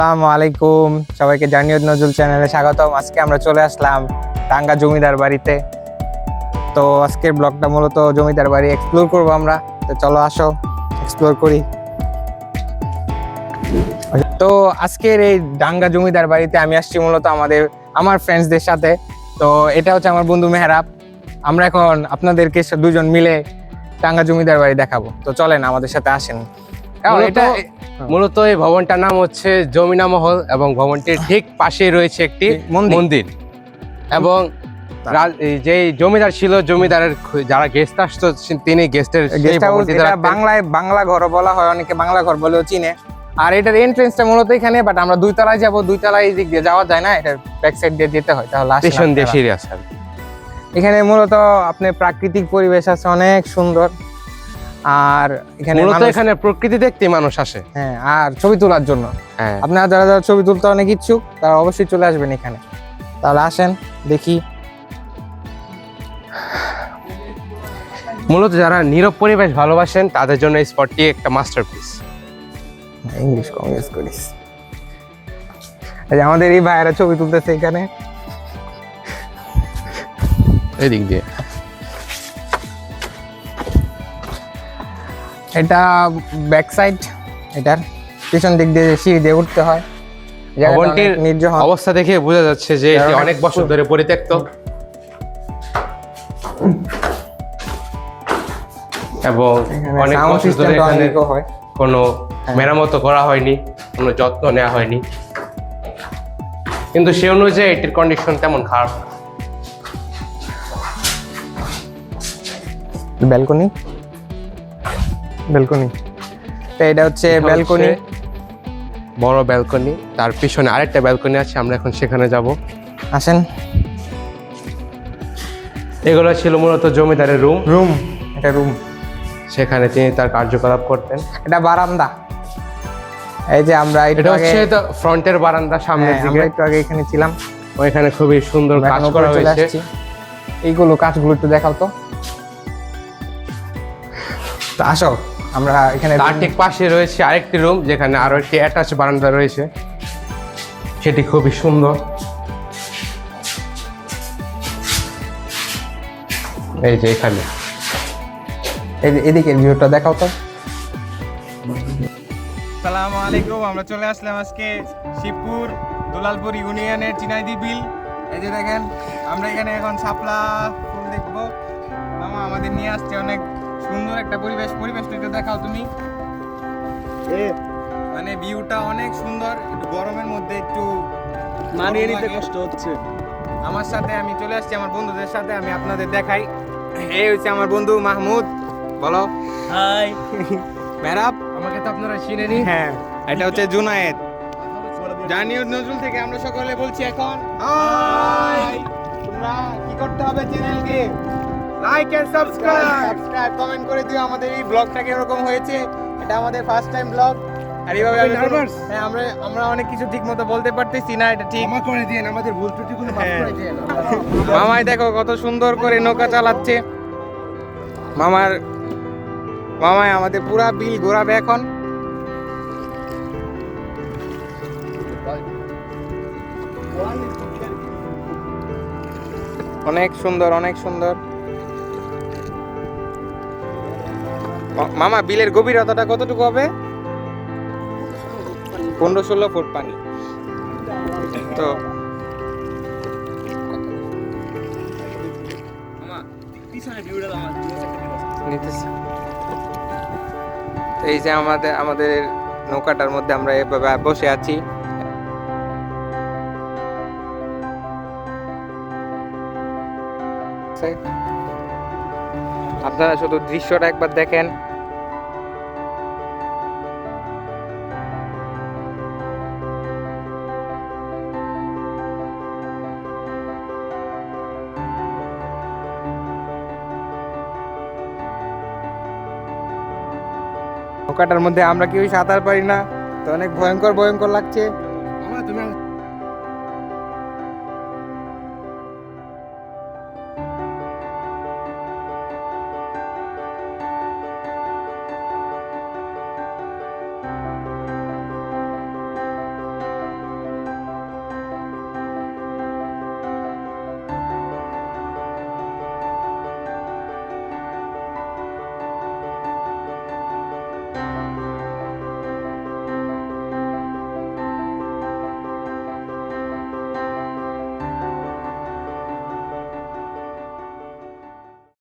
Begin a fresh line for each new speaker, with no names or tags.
আসসালামু আলাইকুম, সবাইকে জার্নি উইথ নজরুল চ্যানেলে স্বাগতম। আজকে আমরা চলে আসলাম টাঙ্গা জমিদার বাড়িতে। তো আজকের ব্লগটা মূলত জমিদার বাড়ি এক্সপ্লোর করব আমরা। তো চলো আসো এক্সপ্লোর করি। তো আজকের এই টাঙ্গা জমিদার বাড়িতে আমি আসছি মূলত আমার ফ্রেন্ডসদের সাথে। তো এটা হচ্ছে আমার বন্ধু মেহরাব। আমরা এখন আপনাদেরকে দুজন মিলে টাঙ্গা জমিদার বাড়ি দেখাবো। তো চলেন আমাদের সাথে আসেন।
মূলত এই ভবনটার নাম হচ্ছে জমিনা মহল এবং ভবনটির ঠিক পাশে রয়েছে একটি মন্দির এবং যে জমিদার ছিল, জমিদারের যারা গেস্ট আসতো তিনি গেস্টের
বাংলা ঘর বলা হয়, অনেকে বাংলা ঘর বলেও চিনে। আর এটার এন্ট্রেন্সটা মূলত এখানে, বাট আমরা দুই তলায় যাবো। দুই তলায় এই দিক দিয়ে যাওয়া যায় না, এটার ব্যাক সাইড দিয়ে যেতে হয়। তাহলে
পেছন দিয়ে সিঁড়ি আছে।
এখানে মূলত আপনার প্রাকৃতিক পরিবেশ আছে, অনেক সুন্দর। আর
এখানে প্রকৃতি দেখতে মানুষ আসে,
হ্যাঁ, আর ছবি তোলার জন্য। আপনারা যারা যারা ছবি তুলতে অনেক ইচ্ছুক তারা অবশ্যই চলে আসবেন এখানে। তাহলে আসেন দেখি।
মূলত যারা নীরব পরিবেশ ভালোবাসেন তাদের জন্য এই স্পটটি একটা মাস্টারপিস।
ইংলিশ কংগ্রেস করিস। আমাদের এই ভাইয়েরা ছবি তুলতেছে এখানে
এদিক দিয়ে।
এটা ব্যাক সাইড, এটার পিছন দিক দিয়ে সিঁড়ি দিয়ে উঠতে হয়।
ভবনটির অবস্থা দেখে বোঝা যাচ্ছে যে এটি অনেক বছর ধরে পরিত্যক্ত এবং অনেক বছর ধরে এখানে কোনো মেরামত করা হয়নি, কোনো যত্ন নেওয়া হয়নি। কিন্তু সে অনুযায়ী এটির কন্ডিশন তেমন খারাপ না।
ব্যালকনি তো এটা হচ্ছে ব্যালকনি,
বড় ব্যালকনি। তার পিছনে আরেকটা ব্যালকনি আছে, আমরা এখন সেখানে যাব।
আসেন।
এগুলো ছিল মূলত জমিদারের রুম।
এটা রুম,
সেখানে তিনি তার কার্যকলাপ করতেন।
এটা বারান্দা। এই যে আমরা
এটা হচ্ছে ফ্রন্টের বারান্দা, সামনের দিকে।
আমরা একটু আগে এখানে ছিলাম,
ওইখানে খুবই সুন্দর কাজ করা হয়েছে।
এইগুলো কাজগুলো একটু দেখাও তো। আসো, আমরা এখানে
তার ঠিক পাশে রয়েছে আরেকটি রুম, যেখানে আরো একটি অ্যাটাচ বারান্দা রয়েছে, সেটি খুবই সুন্দর। এই যে এখানে
এদিকে ভিউটা দেখাও তো। আসসালামু আলাইকুম, আমরা চলে আসলাম আজকে শিবপুর দুলালপুর ইউনিয়নের চিনাইদি বিল। এই যে দেখেন, আমরা এখানে এখন শাপলা ফুল দেখবো। মামা আমাদের নিয়ে আসছে, অনেক সুন্দর একটা পরিবেশটা একটু দেখাও তুমি। মানে ভিউটা অনেক সুন্দর। একটু গরমের মধ্যে একটু
মানিয়ে নিতে কষ্ট হচ্ছে।
আমার সাথে আমি চলে আসছি আমার বন্ধুদের সাথে, আমি আপনাদের দেখাই। এই হচ্ছে আমার বন্ধু মাহমুদ। বলো
হাই।
মেহরাব,
আমাকে তো আপনারা চিনেনি।
হ্যাঁ, এটা হচ্ছে জুনায়েদ। জার্নি উইথ নজরুল থেকে আমরা সকলে বলছি এখন হাই। তোমরা কি করতে হবে? চ্যানেলকে লাইক এন্ড সাবস্ক্রাইব, কমেন্ট করে দিও আমাদের এই ব্লগটা কিরকম হয়েছে। এটা আমাদের ফার্স্ট টাইম ব্লগ। আর এইভাবে হ্যাঁ, আমরা অনেক কিছু ঠিক মতো বলতে পারতেছি না, এটা ঠিক
ক্ষমা করে দিন, আমাদের ভুল ত্রুটিগুলো মাফ করে দিন।
মামাই দেখো কত সুন্দর করে নৌকা চালাচ্ছে। মামাই আমাদের পুরা বিল ঘোরাবে এখন। অনেক সুন্দর, অনেক সুন্দর। মামা, বিলের গভীরতাটা কতটুকু হবে? 15-16 ফুট পানি। তো এই যে আমাদের নৌকাটার মধ্যে আমরা এভাবে বসে আছি। আপনারা শুধু দৃশ্যটা একবার দেখেন। নৌকাটার মধ্যে আমরা কেউ সাঁতার পারি না, তো অনেক ভয়ঙ্কর লাগছে।